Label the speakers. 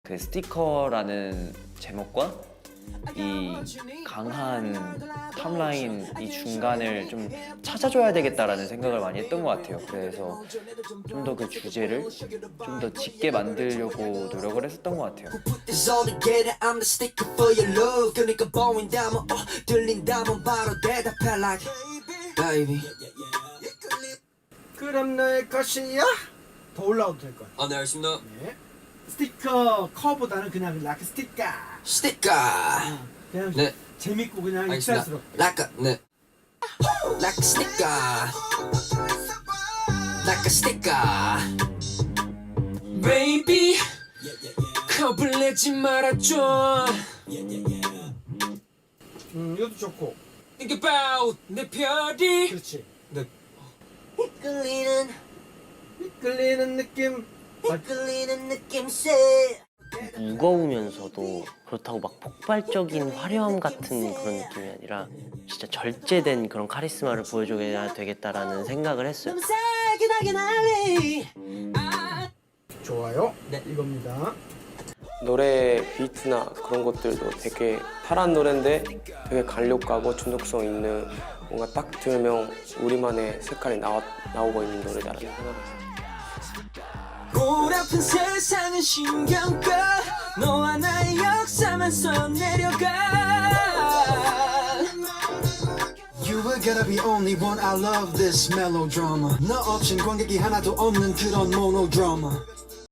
Speaker 1: 그 스티커라는 제목과 이 강한 탑라인 이 중간을 좀 찾아줘야 되겠다라는 생각을 많이 했던 것 같아요. 그래서 좀 더 그 주제를 좀 더 짙게 만들려고 노력을 했었던 것 같아요.
Speaker 2: It's all together, I'm the sticker for your love. 그러니까 보인다면 들린다면 바로 대답해 like baby.
Speaker 3: 그럼 너의 것이야? 더 올라와도 될 것 같아요.
Speaker 2: 네 알겠습니다.
Speaker 3: 네. 스티커 커보다는 그냥 락 스티커.
Speaker 2: 스티커.
Speaker 3: 그냥
Speaker 2: 네.
Speaker 3: 재밌고 그냥
Speaker 2: 알겠습니다.
Speaker 3: 익살스럽게.
Speaker 2: Like a 네. Like a sticker. Like a sticker. Baby. 겁을 내지 말아줘.
Speaker 3: 이것도 좋고.
Speaker 2: Think about 내 별이.
Speaker 3: 그렇지.
Speaker 2: 네. 이끌리는
Speaker 3: 느낌.
Speaker 2: 이끌리는 느낌새.
Speaker 4: 무거우면서도 그렇다고 막 폭발적인 화려함 같은 그런 느낌이 아니라 진짜 절제된 그런 카리스마를 보여줘야 되겠다라는 생각을 했어요.
Speaker 3: 좋아요.
Speaker 2: 네.
Speaker 3: 이겁니다.
Speaker 5: 노래 비트나 그런 것들도 되게 파란 노래인데 되게 간력가고 중독성 있는 뭔가 딱 들으면 우리만의 색깔이 나오고 있는 노래다라는 생각을 했어요.
Speaker 2: 골아픈 세상은 신경 꺼 너와 나의 역사만 써내려가
Speaker 6: You were gonna be only one. I love this melodrama. 너 없인 관객이 하나도 없는 그런 monodrama.